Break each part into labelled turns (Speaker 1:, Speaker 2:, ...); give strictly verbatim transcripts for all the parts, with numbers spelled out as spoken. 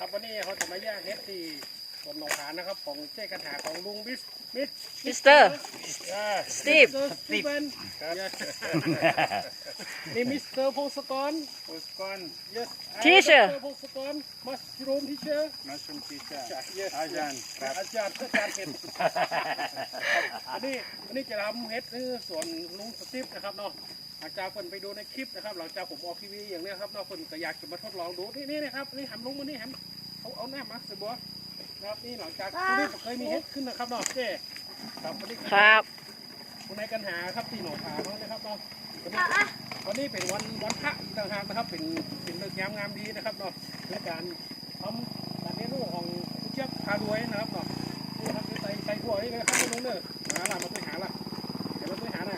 Speaker 1: ครับวันนี้เขาจะมาแยกเฮ็ดที่สวนหนองหานนะครับของเจ๊กระถาของลุงมิสมิส
Speaker 2: มิสเตอร์ สตีฟ
Speaker 1: สตีฟนี่มิสเตอร์พงศกร
Speaker 3: Postcon,
Speaker 1: yes
Speaker 2: Teacher
Speaker 1: พงศกรมัสรูมทีเชอร์
Speaker 3: mushroom teacher,
Speaker 1: yes
Speaker 3: Ajan,
Speaker 1: อาจารย์อาจารย์เห็ดอันนี้อันนี้จะทำเฮ็ดนี่ส่วนลุงสตีฟนะครับเนาะหลังจากคนไปดูในคลิปนะครับหลังจากผมออกทีวีอย่างเนี้ยครับเนาะคนก็อยากจะมาทดลองดูนี่นี่นะครับนี่หันลุงมานี่หันเอาเอาหน้ามาสิบัวนะครับนี่หลังจากที่นี่เคยมีเฮ็ดขึ้นนะครับเนาะเจ๊ครับวันนี้
Speaker 2: ครับ
Speaker 1: คุณนายกันหาครับที่หนองคาเนาะนะครับเนาะวันนี้วันนี้เป็นวันวันพระอีกต่างหากนะครับเป็นเป็นเลิกษ์ยามงามดีนะครับเนาะและการทำการเลี้ยงลูกของผู้เชี่ยวพาด้วยนะครับเนาะนี่ครับใส่ใส่ถั่วนี่เลยครับลุงเด้อหาละมาช่วยหาละเดี๋ยวมาช่วยหาหน่อย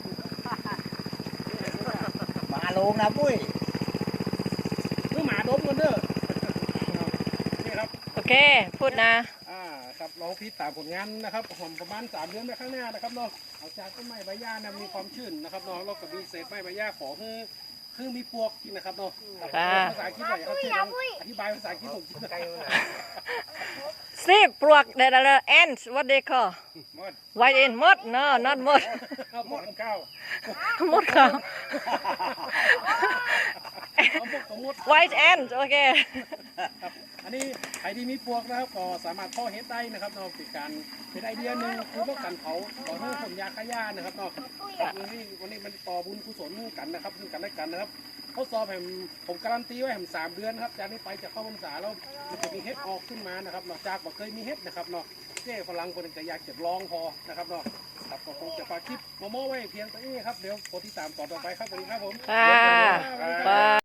Speaker 3: มาลงนะปุ้ย
Speaker 1: เมื่อหมาดมกันเด้อนี่ครับ
Speaker 2: โอเค พูดนะ
Speaker 1: อ่าครับเราพิจารณาผลงานนะครับผมประมาณสามเดือนไปข้างหน้านะครับเนาะเอาจากต้นไม้ใบหญ้านะมีความชื้นนะครับเนาะเราก็มีเศษไม้ใบหญ้าขอคือคือมีปวกกินนะครับเนาะ
Speaker 2: ค่ะ
Speaker 1: ภาษาอังกฤษหน่อยครับที่ลองอธิบายภาษาอังกฤษผมกินไกลเลย
Speaker 2: สตีฟปลวก the the ants what they call
Speaker 3: หมด
Speaker 2: white ant มด no not มด
Speaker 1: หมดเก้าม
Speaker 2: ดเขา
Speaker 1: เอาพวกสมมติ
Speaker 2: white ant โอเค
Speaker 1: ครับอันนี้ใครที่มีปวกนะครับก็สามารถพ่อเฮ็ดได้นะครับเนาะเป็นการเป็นไอเดียหนึ่งคือป้องกันเผาต่อเนื่องผลยาฆ่าหญ้านะครับเนาะครับวันนี้วันนี้มันต่อบุญกุศลกันนะครับซึ่งกันและกันนะครับเขาสอบผมผมการันตีไว้ผมสามเดือนครับจากนี้ไปจะเข้าพรรษาแล้วมันจะมีเฮ็ดออกขึ้นมานะครับนอกจากบอกเคยมีเฮ็ดนะครับเนาะเจ้ฝรั่งคนจะอยากจะลองพอนะครับเนาะครับก็คงจะฝากคลิปโมโม่ไว้เพียงเท่านี้ครับเดี๋ยวโปรดติดตามต่อต่อไปครับสวัสดีครับผม
Speaker 2: ค่ะ
Speaker 1: สวัสดีครับ
Speaker 2: บาย